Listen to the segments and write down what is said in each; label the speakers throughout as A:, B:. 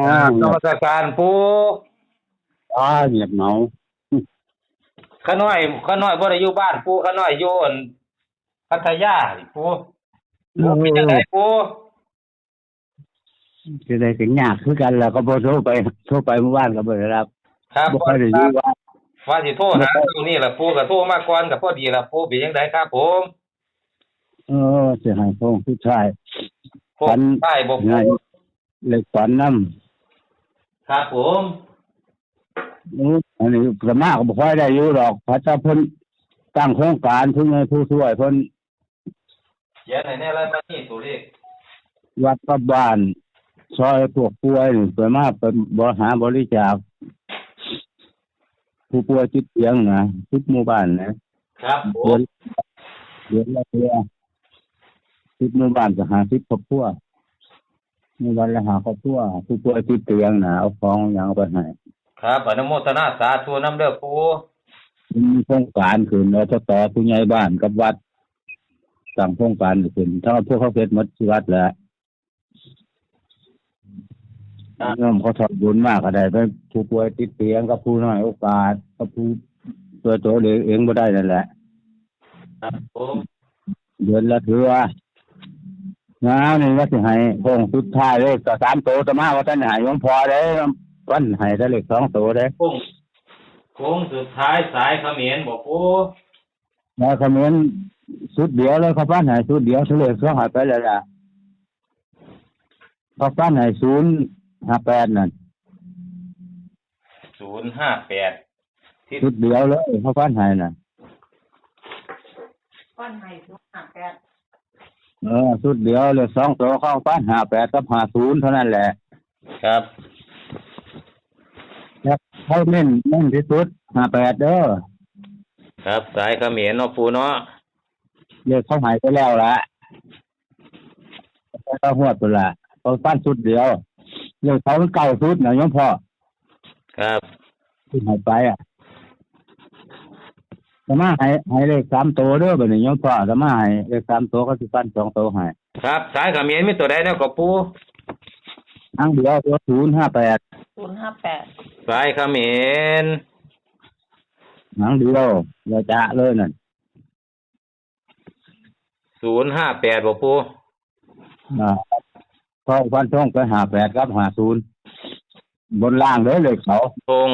A: นมัสการปู
B: เงียบเหงา
A: ข้าน้อยบ่ได้อยู่บ้านปูข้าน้อยอยู่อั่นพัทยาปูเป็นจังไดปู
B: จะได้ถึงยากคือกันแล้วก็บ่โทรไปเมื่อวานก็บ่ได้รับ
A: ครับ
B: บ่ค่อยได้อยู่ว่า
A: ว่าสิโทรหาตรงนี้ล่ะปูก็โทรมาก่อนก็พอดีล่ะปูเป็นจังไดครับผม
B: สิให้พ้องผู้ชาย
A: ฝันใต้บ่ปู
B: เลยฝันนำ
A: ครับผม
B: อันนี้ก็มาก็บ่ค่อยได้อยู่ดอกพระเจ้าเพิ่นตั้งโครงการผู้ใหญ่ผู้ช่วยเพิ่น
A: เขียนให้แน่อะไรมานี่ตัวเลข
B: วัดกับบ้านซอยพวกป่วยนี่ไปมาเป็นบริจาคผู้ป่วยติดเตียงนะทุกหมู่บ้านนะครับผมเดือนละเทื่อทุกหมู่บ้านก็50ครอบครัวหมู่บ้านละ5ครอบครัวผู้ป่วยติดเตียงนะเอาของหยังเอาไปให้
A: ครับอนุโมทนาสาธุนำเด้อปู
B: มีโครงการขึ้นแล้วต่อผู้ใหญ่บ้านกับวัดตั้งโครงการขึ้นถ้าพวกเขาเฮ็ดหมดที่วัดแหละเริ่มเขาทำบุญมากก็ได้ไปผู้ป่วยติดเตียงกับผู้น้อยโอกาสกับผู้ตัวเองบ่ได้นั่นแหละ
A: ครับผม
B: เดือนละเทื่อนี่ว่าสิให้โค้งสุดท้ายเลยก็3โตแต่มาว่าท่านให้หลวงพ่อเด้วันให้แต่เลข2โตเด้
A: โค้งสุดท้ายสายเขมรบ่ปู
B: แล้วเขมรสุดเดียวเลยเขาปั้นให้สุดเดียวเลข2หายไปแล้วล่ะเขาปั้นให้058นั่น
A: 058
B: สุดเดียวเลยเขาปั้นให้น่ะ
C: ปั้นให้058
B: สุดเดียวเลย2โตเข้าปั้น58กับ50เท่านั้นแหละ
A: ครับ
B: เขาเน้นที่สุด58เด้อ
A: ครับสายเขมรเนาะปูเนาะ
B: เลขเขาหายไปแล้วล่ะเขาหวดไปละเขาปั้นสุดเดียวเลขเขาเก่าสุดนะโยมพ่อ
A: ครับ
B: ที่หายไปจะมาให้เลข3โตเด้อบัดนี้โยมพ่อจะมาให้เลข3โตก็สิปั้น2โตให้
A: ครับสายเขมรมีตัวใดแนวก็ปู
B: อังเดียวตัว
A: สายเขมร
B: หนังเดียวเราจะเลยนั่น
A: 058บ่ปู
B: พอฟันทงไป58กับ50บนล่างเด้อเลขเขา
A: ทง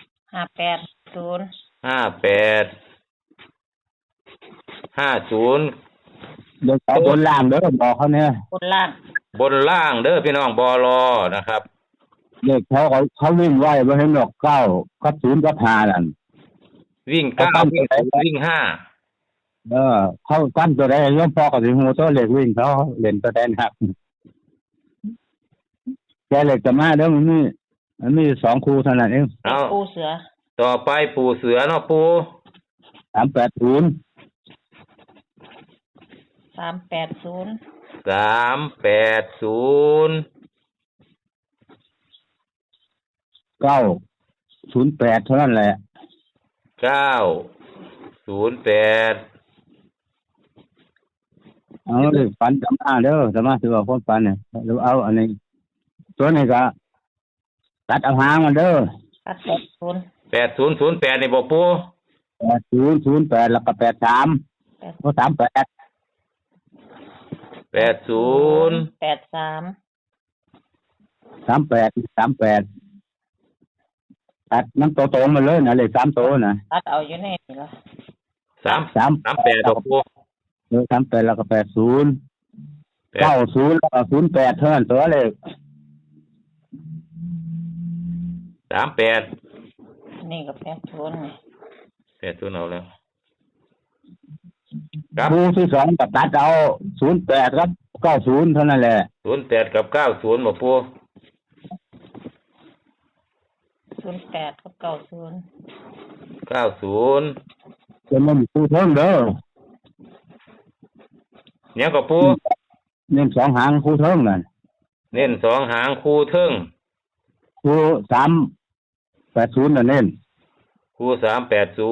A: 5850
B: เลขเขาบนล่างเด้อบอกเขาเนี่ย
C: บนล่
A: างเด้อพี่น้องบลนะครับ
B: เลขเขาวิ่งไว้บ่เห็นดอก9กับ0กับ5นั่น
A: วิ่ง9วิ่ง5
B: เขากั้นตัวใดโยมพ่อก็สิฮู้ตัวเลขวิ่งเขาเล่นตัวใดหนักแค่เลขจะมาเด้อมันมี2คู่เท่านั้นเอง
C: ปูเสือ
A: ต่อไปปูเสือเนาะปู
B: 380 908เท่านั้นแหละ
A: 908
B: เอาเลยฝันจำมาเด้อจะมาถือว่าคนฝันเนี่ยเอาอันนี้ตัวนี้ก็ตัดเอาหางมันเด้อ
C: ตัด
A: 8008นี่บ่ปู
B: 8008แล้วก็83โอ้38 38ตัดน้ำโตมาเลยนะเลข3โตนะ
C: ตัดเอาอยู่ในนี่ล่ะ
A: 38บ่ปู
B: 38แล้วก็80 90แล้วก็08เท่านั้นตัวเลข
A: 38
C: นี่ก็80นี่
A: 80เอาแล้ว
B: คู่ที่2ก็ตัดเอา08ครับ90เท่านั้นแหละ
A: 08กับ90บ่ปู
C: 08กับ
A: 90
B: จะมันคู่เทิงเด้อ
A: เนี่ยก็ปู
B: เน้น2หางคู่เทิงนั่น
A: เน้น2หางคู่เทิง
B: คู่380น่ะเน้น
A: คู่380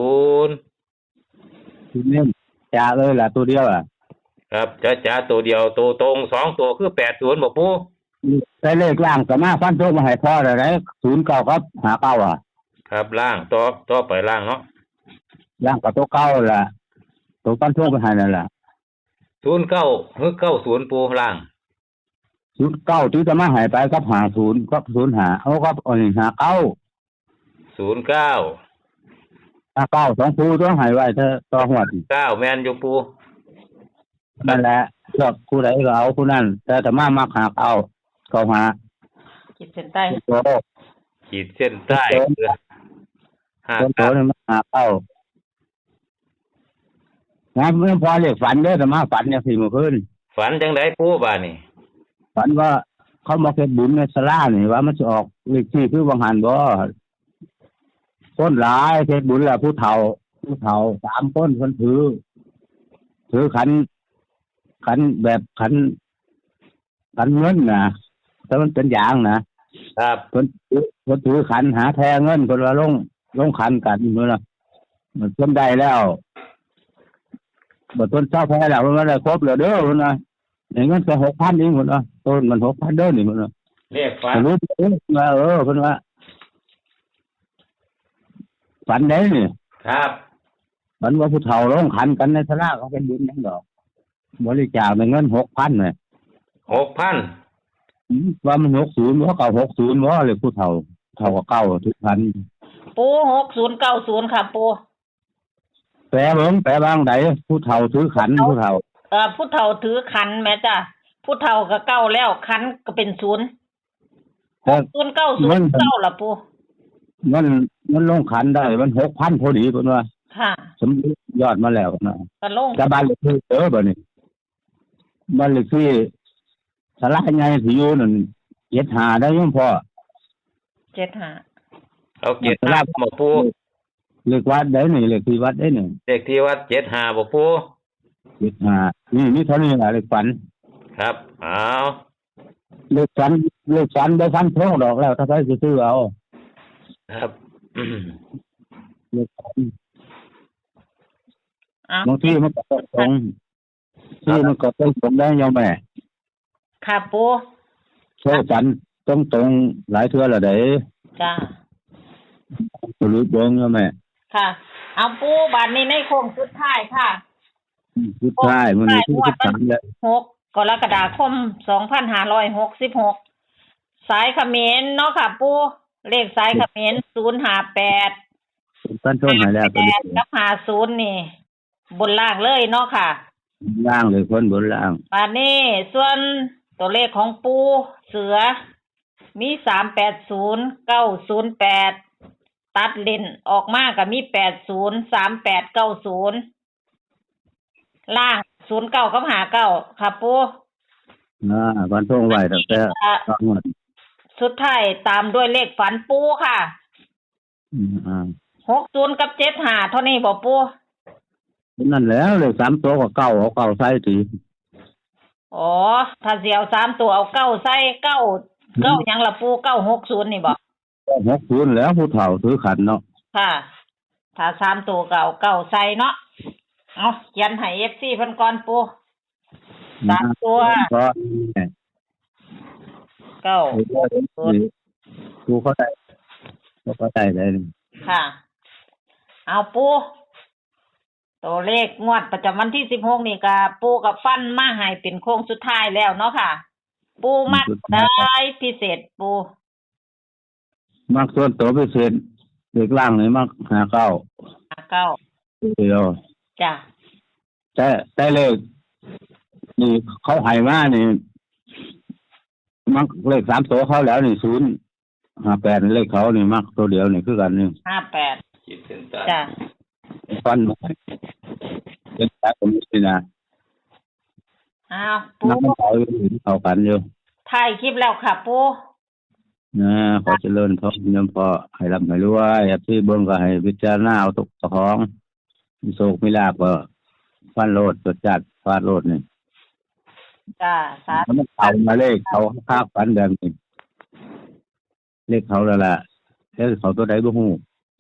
B: เน้นจ้าเลยล่ะตัวเดียว
A: ครับจ้าตัวเดียวตัวตรง2ตัวคือ80บ่ปู
B: ได้เลขล่างก็มาฟันโตมาให้พ่อได้ไหน09ครับ59อ่ะ
A: ครับล่างต่อไปล่างเนาะ
B: ล่างก็ตัวเก่าล่ะตัวฟันโตไปให้นั่นล่ะ
A: 09หรือ90ปูล่าง
B: 09ที่จะมาให้ไปกับ50กับ05เอากับอันนี้
A: 09
B: 59 2คู่ต้องให้ไว้เถอะต่อหวด
A: 9แม่นอยู่ปู
B: นั่นแหละเลือกผู้ใดก็เอาผู้นั้นแต่ถ้ามามักหาเอาเข้าหา
C: ขีดเส้นใต้
B: โต
A: ขีดเส้นใต้คือ
B: โตนี่มาหาเอางั้นไม่พอเรียกฝันเด้อแต่มาฝันเนี่ย4มื้อคืน
A: ฝันจังไดปูบาดนี่
B: ฝันว่าเขามาเฮ็ดบุญในศาลานี่ว่ามันจะออกเลขที่คือวังหันบ่คนหลายเฮ็ดบุญแล้วผู้เฒ่า3คนเพิ่นถือขันแบบขันเงินนะแต่มันเป็นอย่างนะครับ เพิ่นถือขันหาแทเงินเพิ่นว่าลงขันกันมื้อน่ะมันเพิ่นได้แล้วบ่ต้นเช้าแพ้แล้วมันได้ครบแล้วเด้อเพิ่นว่าได้เงินแค่ 6,000 เองเพิ่นว่าต้นมัน 6,000 เด้อนี่เพิ่นว่า
A: เรียกฝัน
B: รู้ว่าเพิ่นว่าฝันได้นี่
A: ครับ
B: ฝันว่าผู้เฒ่าลงขันกันในศาลาเขาเป็นบุญจังดอกบริจาคได้เงิน 6,000 น่ะ
A: 6,000
B: ว่ามัน60บ่เก่า60บ่เลยผู้เฒ่าก็เก่าทุกพัน
C: ปู6090ค่ะปู
B: แปลเบิ่งแปลบางใดผู้เฒ่าถือขันผู้เฒ่า
C: ผู้เฒ่าถือขันแม่จ้ะผู้เฒ่าก็เก้าแล้วขันก็เป็น0
B: แต่
C: 090เก้าล่ะปู
B: มันลงขันได้มัน 6,000 พอดีเพิ่นว่า
C: ค่ะ
B: สมยอดมาแล้วนะ
C: ก็ลง
B: แต่บ้านเลขที่บัดนี้บ้านเลขที่ศาลาใหญ่ที่อยู่นั่น75ได้ยังพอ
C: 75
A: เอา75บ่ปู
B: เลขวัดได้นี่เลขที่วัดได้นี่
A: เลขที่วัด75บ่ปู
B: 75นี่เท่านี้ล่ะเลขฝัน
A: ครับเอา
B: เลขฝันบ่ฟันทงดอกแล้วถ้าใครสิซื้อเอา
A: ครับ
B: เลขฝัน
C: อ้าว
B: บางทีมันก็ตรงที่มันก็ตรงได้ยอมแม่
C: ค่ะปู
B: โซ่ฝันตรงหลายเทื่อแล้วเด้
C: จ้า
B: รู้เบิ่งยอมแม่
C: ค่ะ เอาปูบัดนี้ในโค้งสุดท้ายค่ะ
B: สุดท้ายมันมีที่13แล้ว
C: 6กรกฎาคม2566สายเขมรเนาะค่ะปูเลขสายเขมร058
B: ฟันทงให้แล้วก็
C: 8กับ50นี่ บนล่างเลยเนาะค่ะ
B: ล่างเลยคนบนล่าง
C: บัดนี้ส่วนตัวเลขของปูเสือมี380 908ตัดเลนออกมาก็มี80 38 90ล่าง09กับ59ค่ะปู
B: ฟันทงไว้ตั้งแต่ตอนนั้น
C: สุดท้ายตามด้วยเลขฝันปูค่ะ60กับ75เท่านี้บ่ปู
B: นั่นแล้วเลย3ตัวก็เก้าเอาเก้าใส่ที
C: อ๋อถ้าสิเอา3ตัวเอา9ใส่9หยังล่ะปู960นี่บ่
B: 60แล้วผู้เฒ่าถือขันเนาะ
C: ค่ะ ถ้า3ตัวก็เอา9ใส่เนาะเอาเขียนให้ FC เพิ่นก่อนปู3ตัว
B: ก็
C: 9
B: กูเข้าใจเลย
C: ค่ะ เอาปูตัวเลขงวดประจำวันที่16นี่ก็ปูกับฟันมาให้เป็นโค้งสุดท้ายแล้วเนาะค่ะ ปูมักได้พิเศษปู
B: มักส่วนตัวพิเศษเด็กล่างนี่มัก59
C: 9
B: เดียว
C: จ้ะ
B: แต่เลขนี่เขาให้มานี่มักเลข3ตัวเขาแล้วนี่058เลขเขานี่มักตัวเดียวนี่คือกันนี่
C: 58
A: ขีดเส้นใต้
C: จ้ะ
B: ฟันเป็นแต่ผมนี่นะ
C: อ้าวปู
B: นักเขากันอยู่
C: ถ่ายคลิปแล้วค่ะปู
B: นะขอเจริญพรยมพอให้รับให้รวยที่เบิ่งก็ให้พิจารณาเอาทุกของมีโศกมีลาภก็ฟันโลดตรวจจัดฟาดโลดนี่
C: จ้ะสาธุ
B: มันเอามาเลขเขาภาคฝันแบบนี้เลขเขาแล้วล่ะเลขเขาตัวใดบ่ฮู้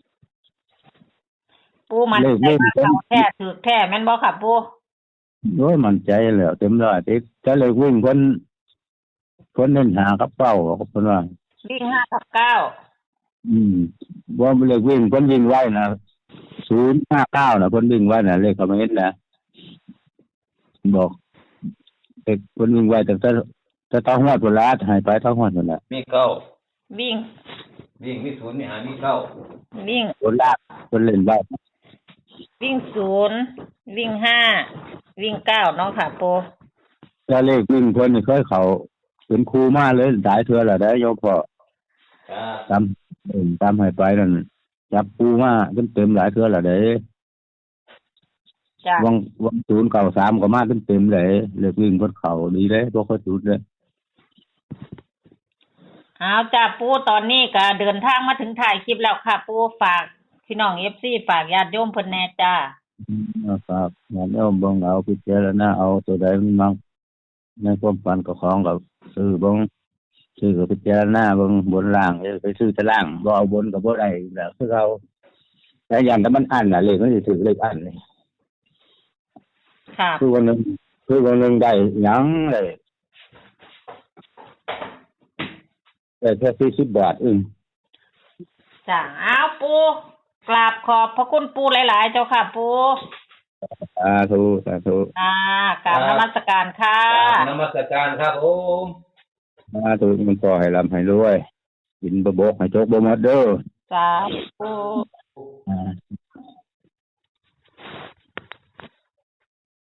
C: ปูมันใจว่าเขาแท้ถูกแท้แม่นบ่ค่ะปู
B: โอ้ยมั่นใจแล้วเต็มร้อยติดแต่เลขวิ่งเพิ่นคนเน้นหากับเป้าก็เพิ่นว่า
C: วิ่งห้ากับเก้า
B: ว่าเลขวิ่งเพิ่นวิ่งไว้นะ059นะเพิ่นวิ่งไว้นะเลขคอมเมนต์นะบอกเลขเพิ่นวิ่งไว้แต่ต้องฮอดพุ่นละให้ไปต้องฮอดพุ่นน่ะ
A: มีเก้า
C: วิ่ง
A: วิ่งมีศูนย์มีหามีเก้า
C: วิ่ง
B: พุ่นละเพิ่นเล่นไว้
C: วิ่งศูนย์วิ่งห้าวิ่งเก้าเนาะค่ะปู
B: ถ้าเลขวิ่งเพิ่นนี่เคยเข้าเป็นครูมาเลยหลายเทื่อแล้วได้โยมพ่อ
A: ครับ
B: ตามให้ไปนั่นจับครูมาเต็มๆหลายเทื่อแล้วเด้
C: จ้ะ
B: วัง093ก็มาเต็มๆเลยเลขวิ่งเพิ่นเข้าดีเลยบ่ค่อยสุดเลย
C: เอาจ้ะปูตอนนี้ก็เดินทางมาถึงถ่ายคลิปแล้วค่ะปูฝากพี่น้อง FC ฝากญาติโยมเพิ่นแน่จ้า
B: ครับงั้นเอาเบิ่งเอาพิจารณาเอาตัวใดมันมักในความฝันก็ของก็ซื้อเบิ่งซื้อก็พิจารณาเบิ่งบนล่างไปซื้อแต่ล่างบ่เอาบนก็บ่ได้แล้วคือเอาแต่อย่างแต่มันอันน่ะเลขมันสิถือเลขอันนี่
C: ค่ะ
B: คือวันหนึงได้หยังเลยแต่แค่40 บาท
C: จ้ะเอาปูกราบขอบพระคุณปูหลายๆเจ้าค่ะปู
B: สาธุ
C: กราบนมัสการค่ะ
A: นมัสการครับผม
B: สาธุมันก็ให้ร่ำให้รวยกินบ่บกให้จกบ่หมดเด้อ
C: สาธุ